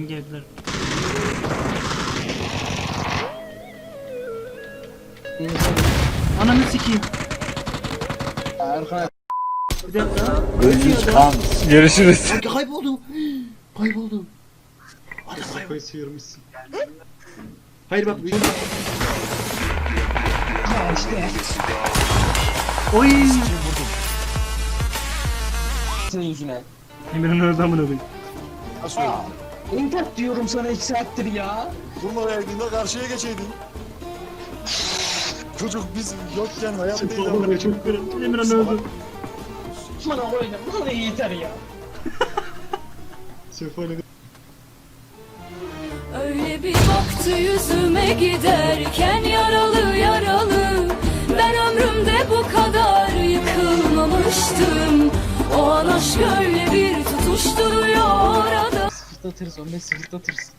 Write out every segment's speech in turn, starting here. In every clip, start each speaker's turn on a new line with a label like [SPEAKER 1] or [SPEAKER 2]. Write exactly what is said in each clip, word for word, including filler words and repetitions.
[SPEAKER 1] Hangi evler? Ananı sikeyim.
[SPEAKER 2] Erkan.
[SPEAKER 1] Bir dakika.
[SPEAKER 3] Gözünüz kan.
[SPEAKER 4] Görüşürüz.
[SPEAKER 1] Ay, kayboldum. Kayboldum.
[SPEAKER 5] Kafayı sıyırmışsın. Hayır bak büyük.
[SPEAKER 2] Ya işte.
[SPEAKER 1] Oy.
[SPEAKER 2] Senin yüzüne.
[SPEAKER 1] Emirhan öldü amına koyayım.
[SPEAKER 3] Nasıl
[SPEAKER 2] Aa,
[SPEAKER 3] öldü?
[SPEAKER 2] İmdat diyorum sana iki saattir ya.
[SPEAKER 3] Durma verdiğinde karşıya geçeydin. Çocuk biz yokken hayattaydı.
[SPEAKER 5] Vallahi çok kırıldı.
[SPEAKER 1] Emirhan öldü.
[SPEAKER 2] Bana oyna. Bana yeter ya.
[SPEAKER 5] Sefane
[SPEAKER 6] Öyle bir baktı yüzüme giderken yaralı yaralı. Ben ömrümde bu kadar yıkılmamıştım. O an aşk öyle bir tutuşturuyor orada.
[SPEAKER 2] Sıfırlatırız onu, sıfırlatırız.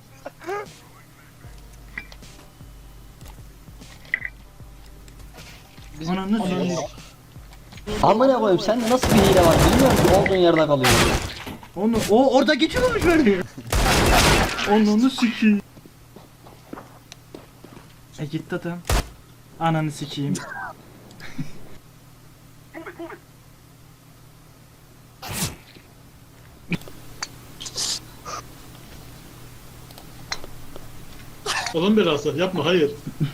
[SPEAKER 1] Ananı sikeyim.
[SPEAKER 7] Amına koyayım sende nasıl bir hile var bilmiyorum ki olduğun yerde kalıyorsun.
[SPEAKER 1] Onu o orada geçiyormuş beni. Ananı sikeyim. E gitti adam. Ananı sikeyim.
[SPEAKER 5] Olan belası yapma hayır.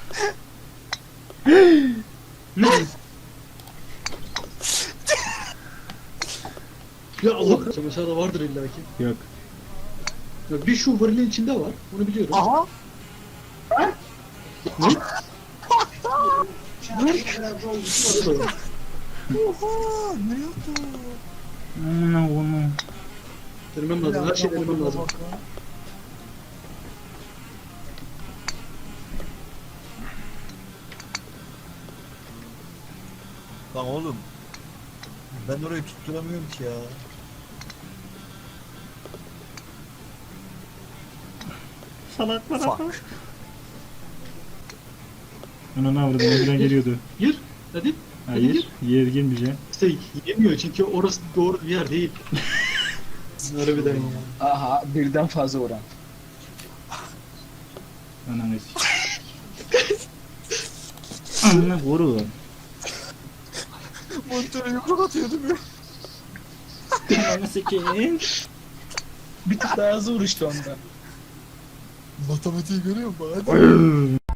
[SPEAKER 5] Ne? Ya Allah mesela da vardır illaki.
[SPEAKER 1] Yok.
[SPEAKER 5] Ya bir şu varilin içinde var. Onu biliyorum.
[SPEAKER 3] Aha.
[SPEAKER 5] Ne?
[SPEAKER 3] Oha ne yaptı?
[SPEAKER 1] Amına koyayım.
[SPEAKER 5] Denemem lazım. Her şeyi denemem lazım.
[SPEAKER 3] Lan oğlum. Ben orayı tutturamıyorum ki ya.
[SPEAKER 1] Salak bana.
[SPEAKER 3] Fuck.
[SPEAKER 1] Ona ne avradım? Emirhan geliyordu.
[SPEAKER 5] Gir. Hadi. Hadi
[SPEAKER 1] Hayır.
[SPEAKER 5] gir.
[SPEAKER 1] Yer girmeyeceğim.
[SPEAKER 5] İşte yemiyor çünkü orası doğru bir yer değil. Harbiden ya.
[SPEAKER 2] Aha, birden fazla oran.
[SPEAKER 1] Ananı sikeyim. Ananı koru.
[SPEAKER 3] Monitörü yumruk atıyor değil mi?
[SPEAKER 1] Ananı sikeyim.
[SPEAKER 2] Bir tık daha hızlı vuruştu onda.
[SPEAKER 3] Matematiği görüyor musun? Hadi.